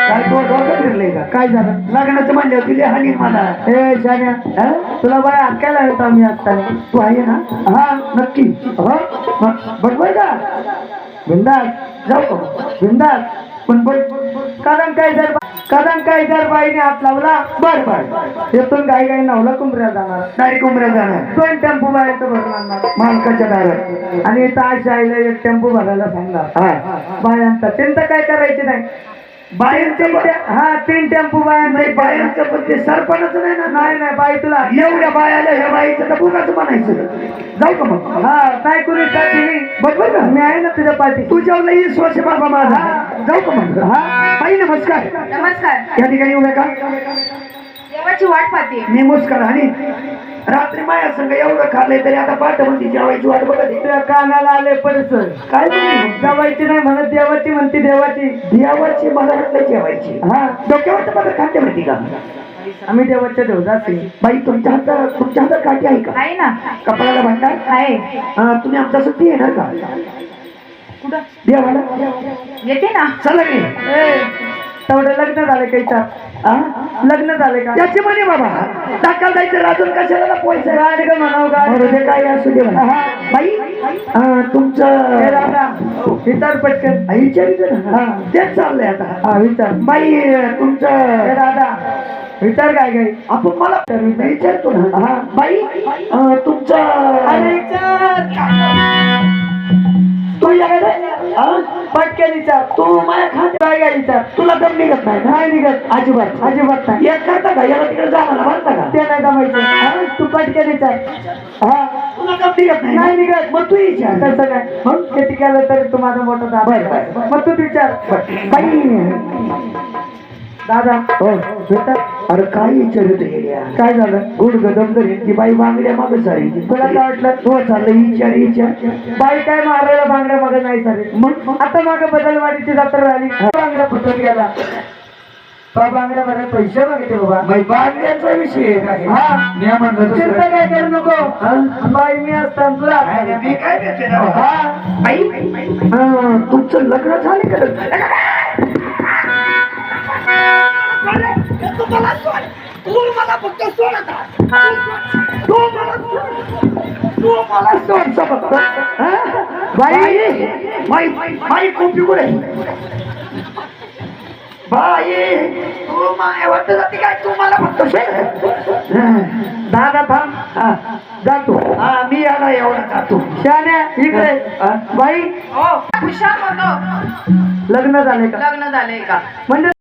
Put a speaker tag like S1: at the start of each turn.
S1: काय तो डोकं फिरले का?
S2: काय झालं?
S1: लग्नाचं म्हणले दिले हानी मला.
S2: ए शान्या, तुला बाय अक्कायला येतो आम्ही असताना.
S1: तू आहे ना?
S2: हा
S1: नक्की.
S2: हो
S1: बरोबर का?
S2: बिंदास
S1: जाऊ का?
S2: बिंदास.
S1: पण बघ
S2: कारण काय जर बाईने हात लावला
S1: बर बर
S2: येथून काही काही नवला कुंभऱ्या जाणार.
S1: डायरेक्ट उमऱ्या जाणार.
S2: 2 टेम्पो बाहेरचं भरून आणणार
S1: मालकाच्या दारात.
S2: आणि ताश आईला 1 टेम्पो भरायला सांगणार.
S1: हा
S2: बायांचा चिंता काय करायची नाही.
S1: बायांचं
S2: हा 3 टेम्पो बायांचा.
S1: नाही बायांचं पण ते सरपणच नाही ना.
S2: नाही नाही बाई तुला
S1: एवढ्या बायाला ह्या बाईचं तर बुकाच म्हणायचं. जाऊ का मग?
S2: हा काय कुणी साठी मी
S1: बरोबर का?
S2: मी आहे ना तुझ्या पाठी.
S1: तुझ्यावर विश्वास आहे बाबा माझा. जाऊ का मग?
S2: हा
S1: बाई नमस्कार.
S3: नमस्कार.
S1: या ठिकाणी उभ्या का?
S3: देवाची वाट पाहते.
S1: मी मुस्कार आणि रात्री माया संग एवढं खाल्लंय तरी आता पाठवून जेवायची वाट बघत आहे.
S2: तुझ्या कानाला आले पडस.
S1: काय तुम्ही?
S2: जवायची नाही म्हणत देवाची म्हणते देवाची.
S1: देवाची मला वाटलं जेवायची.
S2: हा
S1: डोक्यावर तर मला खाते माहिती का?
S2: आम्ही देवाच्या देवदासी.
S1: बाई तुमच्या हातात काठी आहे का?
S3: आहे ना.
S1: कपाळाला भांडार
S3: आहे.
S1: तुम्ही आमच्या सुट्टी येणार का?
S3: कुठं
S1: देवाला
S3: येते ना.
S1: चला मी.
S2: तेवढं लग्न झाले काही लग्न झाले का?
S1: त्याचे म्हणे बाबा टाकाल जायचं राजून कशाला पैसे
S2: गाड ग म्हणाव गाड.
S1: ते काय असू दे म्हणा. बाई तुमचं
S2: हे राधा विचार पटकन.
S1: विचारित ना. तेच चाललंय आता.
S2: हा विचार.
S1: बाई
S2: हे
S1: तुमचं
S2: राधा विचार काय काय.
S1: आपण मला विचारतो ना. हा बाई तुमचं
S2: अरे विचार
S1: तू या
S2: पटकन विचार.
S1: तू माझ्या खाते
S2: काय काय विचार.
S1: तुला दम निघत नाही ना?
S2: नाही निघत
S1: अजिबात
S2: अजिबात नाही.
S1: एक करता का? याला तिकडे जाणार म्हणता का?
S2: ते नाही जमायचं. तू पटकन विचार. हा
S1: तुला दम निघत नाही?
S2: नाही निघत.
S1: मग तू विचार.
S2: तसं काय मग किती केलं तरी तू माझा मोठा दादा.
S1: बरं.
S2: मग तू विचार.
S1: बाई
S2: दादा हो विचार.
S1: अरे काय विचारत येड्या?
S2: काय झालं.
S1: गुड गदम करेन ती बाई बांगड्या मागं सारी.
S2: तुला काय वाटलं.
S1: हो चाललं विचार.
S2: बाई काय मारायला बांगड्या मागे नाही सारे.
S1: मग
S2: आता मागे बदलवाडीची जत्रा झाली. बांगड्या फुटून गेला. बांगड्या मध्ये पैसे मागितले बाबा.
S1: बाई बांगड्याचा विषय आहे.
S2: हा
S1: मी म्हणलं
S2: चिंता काय करू नको.
S1: हा?
S2: बाई मी असताना तुला
S1: मी काय देते ना?
S2: हा
S1: बाई तुमचं लग्न झाले का? तू मला फक्त सोड आता. तू मला सोड फक्त. बाई कुठे कुठे बाई तू माय वाटत जाते काय? तू मला फक्त सोड.
S2: दादा थांब.
S1: हा
S2: जातो.
S1: मी याला एवढा जातो.
S2: शान्या इकडे. बाई
S3: हो खुशाल म्हणतो.
S2: लग्न झाले का?
S3: लग्न झालंय का?
S2: म्हणजे